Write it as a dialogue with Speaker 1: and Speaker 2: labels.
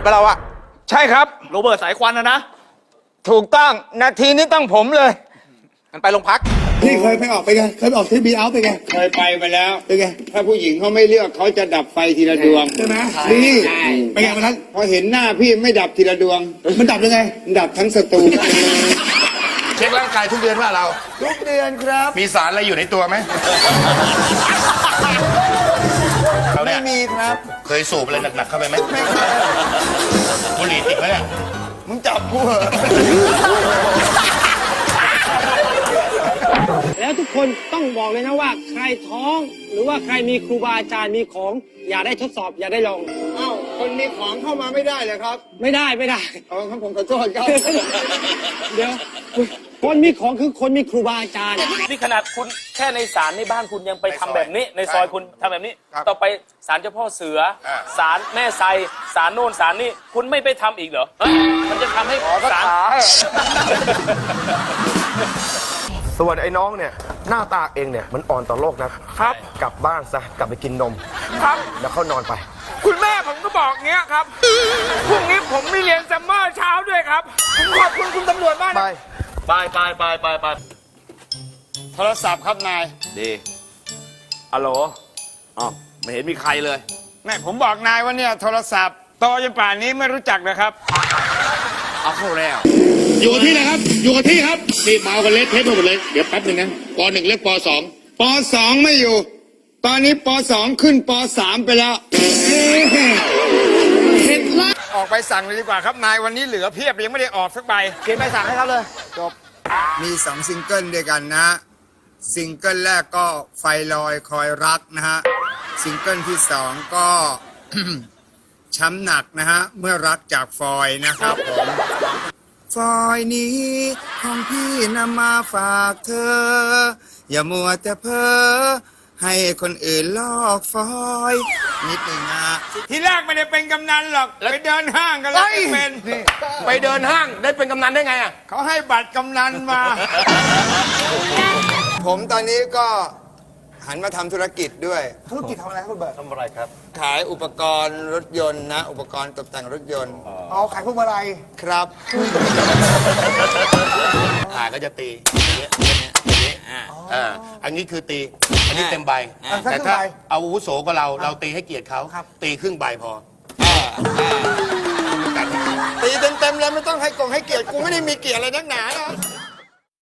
Speaker 1: ปะเราอะใช่ครับโรเบิร์ตสายควันนะถูกต้องนาทีนี้ต้องผมเลยมันไปโรงพัก
Speaker 2: พี่เคยไปออกไปไงเคยไปออกที่บีเอาไปไง
Speaker 3: เคยไปแล้ว
Speaker 2: เป็นไง
Speaker 3: ถ้าผู้หญิงเขาไม่เลือกเขาจะดับไฟทีละดวง
Speaker 2: ใช่ไหมนี่เป็นไงวันนั้น
Speaker 3: พอเห็นหน้าพี่ไม่ดับทีละดวง
Speaker 2: มันดับยังไง
Speaker 3: ดับทั้งสตู
Speaker 4: เช็คร่างกายทุกเดือนว่าเรา
Speaker 2: ทุกเดือนครับ
Speaker 4: มีสารอะไรอยู่ในตัวไหม
Speaker 2: ไม่มีครับ
Speaker 4: เคยสูบอะไรหนักๆเข้าไปไหมบุหรี่ติดไหมเนี่ย
Speaker 2: มึงจับกูเหรอ
Speaker 5: แล้วทุกคนต้องบอกเลยนะว่าใครท้องหรือว่าใครมีครูบาอาจารย์มีของอย่าได้ทดสอบอย่าได้ลอง
Speaker 3: อ้าวคนมีของเข้ามาไม่ได้เลยครับ
Speaker 5: ไม่ได้
Speaker 3: ครับผมขอโทษครับ
Speaker 5: เดี๋ยวคนมีของคือคนมีครูบาอาจารย์
Speaker 6: นี่ขนาดคุณแค่ในศาลในบ้านคุณยังไปทำแบบนี้ในซอยคุณทำแบบนี้ต่อไปศาลเจ้าพ่อเสือศาลแม่ไซศาลโน่นศาลนี่คุณไม่ไปทำอีกเหรอมันจะทำให้ศาล
Speaker 7: ส่วนไอ้น้องเนี่ยหน้าตาเองเนี่ยมันอ่อนต่อโลกนะครับกลับบ้านซะกลับไปกินนม
Speaker 1: ครับ
Speaker 7: แล้วเข้านอนไป
Speaker 1: คุณแม่ผมก็บอกเงี้ยครับพรุ่งนี้ผมมีเรียนซัมเมอร์เช้าด้วยครับผมขอบคุณคุณตำรวจมาก
Speaker 7: ไป
Speaker 3: โทรศัพท์ครับนาย
Speaker 1: ดีฮัลโหลอ๋อไม่เห็นมีใครเลย
Speaker 3: แม่ผมบอกนายว่าเนี่ยโทรศัพท์โตจนป่านนี้ไม่รู้จักนะครับ
Speaker 1: เอาเข้าแล้ว
Speaker 2: อยู่กับที่นะครับอยู่กับที่ครับนี่เมากันเละเทะไปหมดเลยเดี๋ยวแป๊บนึงนะป .1 เรียกป .2
Speaker 3: ป .2 ไม่อยู่ตอนนี้ป .2 ขึ้นป .3 ไปแล้วเห็นละออกไปสั่งเลยดีกว่าครับนายวันนี้เหลือเพียบยังไม่ได้ออกสักใบ
Speaker 2: เขียนใบสั่งให้เขาเลยจบ
Speaker 3: มี2ซิงเกิลด้วยกันนะซิงเกิลแรกก็ไฟลอยคอยรักนะฮะซิงเกิลที่2ก็ ช้ำหนักนะฮะเมื่อรักจากฟอยนะครับผมฟอยนี้ของพี่นำมาฝากเธออย่ามัวแต่เพ้อให้คนอื่นลอกฟอยนิดหนึ่งนะทีแรกไม่ได้เป็นกำนันหรอกไปเดินห้างกันแล้วเป็น
Speaker 7: ไปเดินห้างได้เป็นกำนันได้ไงอ่ะ
Speaker 3: เขาให้บัตรกำนันมา ผมตอนนี้ก็หันมาทำธุรกิจด้วย
Speaker 2: ธุรกิจทำอะไรครับคุณเบิร์ต
Speaker 7: ทำอะไรครับ
Speaker 3: ขายอุปกรณ์รถยนต์นะอุปกรณ์ตกแต่งรถยนต์
Speaker 2: ขายพวกอะไร
Speaker 3: ครับ
Speaker 4: ก็จะตีอันนี้คือตีอันนี้เต็มใบแต่ถ้าอาวุโสกว่าเราตีให้เกียรติเขาตีครึ่งใบพอ
Speaker 3: ตีเต็มๆเลยไม่ต้องให้เกียรติกูไม่ได้มีเกียรติอะไรนักหนานะ